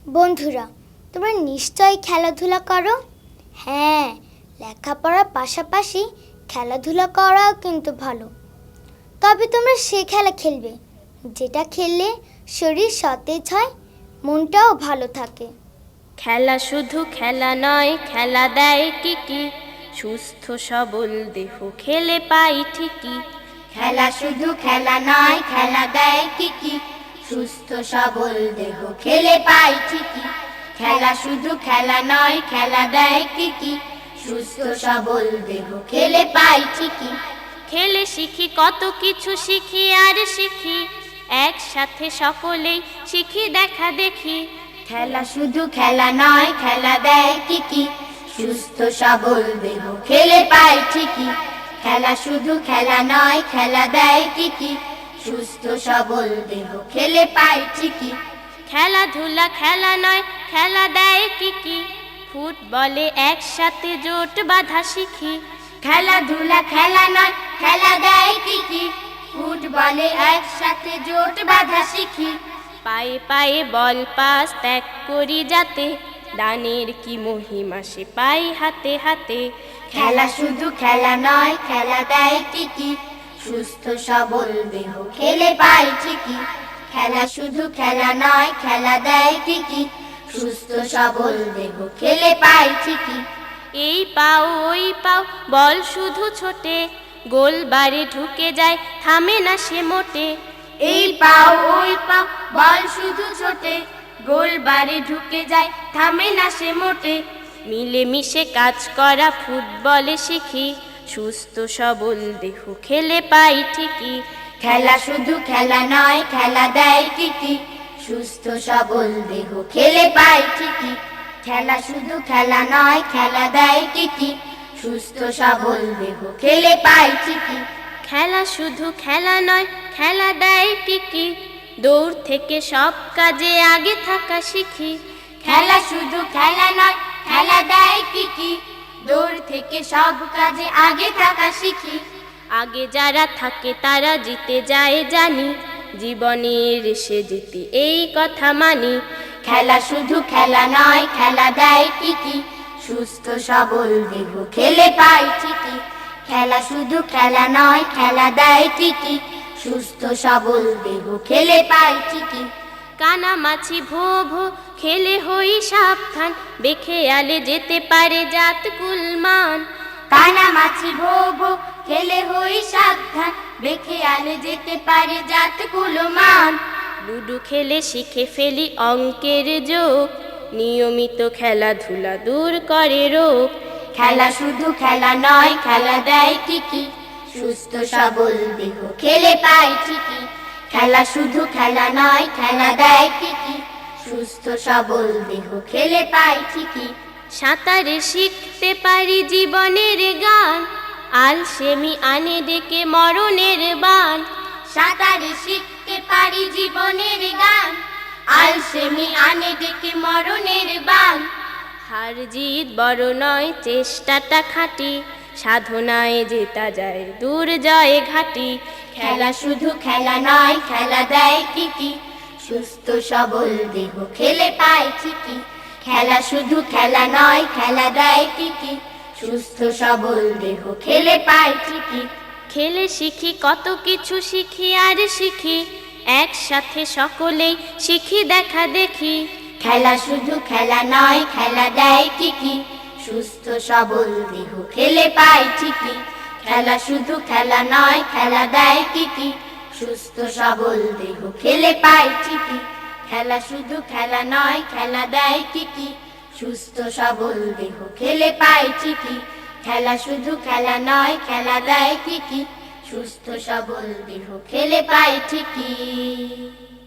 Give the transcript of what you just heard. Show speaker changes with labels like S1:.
S1: বন্ধুরা, তোমরা নিশ্চয়ই খেলাধুলা করো। হ্যাঁ, লেখাপড়ার পাশাপাশি খেলাধুলা করাও কিন্তু ভালো। তবে তোমরা সে খেলা খেলবে যেটা খেললে শরীর সতেজ হয়, মনটাও ভালো থাকে।
S2: খেলা শুধু খেলা নয়, খেলা দেয় কি কি, সুস্থ সবল দেহ খেলে পাই ঠিকই।
S3: খেলা শুধু খেলা নয়, খেলা দেয় কি কি, সুস্থ সবল দেহ খেলে পাই ঠিকই। খেলা শুধু খেলা নয়, খেলা দেয় কি কি, সুস্থ সবল দেহ খেলে পাই ঠিকই।
S2: খেলে শিখি কত কিছু, শিখি আর শিখি, একসাথে সকলেই শিখি দেখা দেখি।
S3: খেলা শুধু খেলা নয়, খেলা দেয় কি কি, সুস্থ সবল দেহ খেলে পাই ঠিকই। খেলা শুধু খেলা নয়, খেলা দেয় কি কি, সুস্থ সবল দেহ খেলে পাই ঠিকই।
S2: খেলাধুলা খেলা নয়, খেলা দেয় কি কি, ফুটবলে একসাথে জোট বাঁধা শিখি।
S3: খেলাধুলা খেলা নয়, খেলা দেয় কি কি, ফুটবলে একসাথে জোট বাঁধা শিখি।
S2: পায়ে পায়ে বল পাস ত্যাগ করি যাতে, দানের কি মহিমা সে পাই হাতে হাতে।
S3: খেলা শুধু খেলা নয়, খেলা দেয় কি কি, সুস্থ সবল দেহ খেলে পাই ঠিকই। খেলা শুধু খেলা নয়, খেলা দেয় কি কি, সুস্থ সবল দেহ খেলে পাই ঠিকই।
S2: এই পাও ওই পাও বল শুধু ছোটে, গোল বাড়ি ঢুকে যায় থামে না সে মোটে।
S3: এই পাও ওই পাও বল শুধু ছোটে, গোল বাড়ি ঢুকে যায় থামে না সে মোটে।
S2: মিলেমিশে কাজ করা ফুটবলে শিখি, সুস্থ সবল দেহ খেলে পাই ঠিকই।
S3: খেলা শুধু খেলা নয়, খেলা দেয় কি কি, সুস্থ সবল দেহ খেলে পাই ঠিকই। খেলা শুধু খেলা নয়, খেলা দেয় কি কি, সুস্থ সবল দেহ খেলে পাই ঠিকই।
S2: খেলা শুধু খেলা নয়, খেলা দেয় কি কি, দৌড় থেকে সব কাজে আগে থাকা শিখি।
S3: খেলা শুধু খেলা নয়, খেলা দেয় কি কি, দৌড় থেকে সব কাজে আগে থাকা শিখি।
S2: আগে যারা থাকে তারা জিতে যায় জানি, জীবনের রেসে জিতি এই কথা মানি।
S3: খেলা শুধু খেলা নয়, খেলা দেয় কি কি, সুস্থ সবল দেহ খেলে পাই ঠিকই। খেলা শুধু খেলা নয়, খেলা দেয় কি কি, সুস্থ সবল দেহ খেলে পাই ঠিকই।
S2: কানামাছি ভো ভো খেলে হই সাবধান, বেখেয়ালে যেতে পারে জাত কুলমান।
S3: কানামাছি ভো ভো খেলে হই সাবধান, বেখেয়ালে যেতে পারে জাত কুলমান।
S2: লুডু খেলে শিখে ফেলি অঙ্কের যোগ, নিয়মিত খেলাধুলা দূর করে রোগ।
S3: খেলা শুধু খেলা নয়, খেলা দেয় কি কি, সুস্থ সবল দেহ খেলে পাই ঠিকই। খেলা শুধু খেলা নয়, খেলা দেয় কি কি, সুস্থ সবল দেহ খেলে পাই ঠিকই।
S2: সাঁতারে শিখতে পারি জীবনের গান, আলসেমি আনে ডেকে মরণের বান।
S3: সাঁতারে শিখতে পারি জীবনের গান, আলসেমি আনে ডেকে মরণের বান।
S2: হার জিত বড় নয়, চেষ্টাটা খাটি, সাধনায় জেতা যায় দূর জয় ঘাটি।
S3: খেলা শুধু খেলা নয়, খেলা দেয় কি কি, সুস্থ সবল দেহ খেলে পাই ঠিকই। খেলা শুধু খেলা নয়, খেলা দেয় কি কি, সুস্থ সবল দেহ খেলে পাই ঠিকই।
S2: খেলে শিখি কত কিছু, শিখি আর শিখি, একসাথে সকলেই শিখি দেখা দেখি।
S3: খেলা শুধু খেলা নয়, খেলা দেয় কি কি, সুস্থ সবল দেহ খেলে পাই ঠিকই। খেলা শুধু খেলা নয়, খেলা দেয় কি কি, সুস্থ সবল দেহ খেলে পাই ঠিকই। খেলা শুধু খেলা নয়, খেলা দেয় কি কি, সুস্থ সবল দেহ খেলে পাই ঠিকই। খেলা শুধু খেলা নয়, খেলা দেয় কি কি, সুস্থ সবল দেহ খেলে পাই ঠিকই।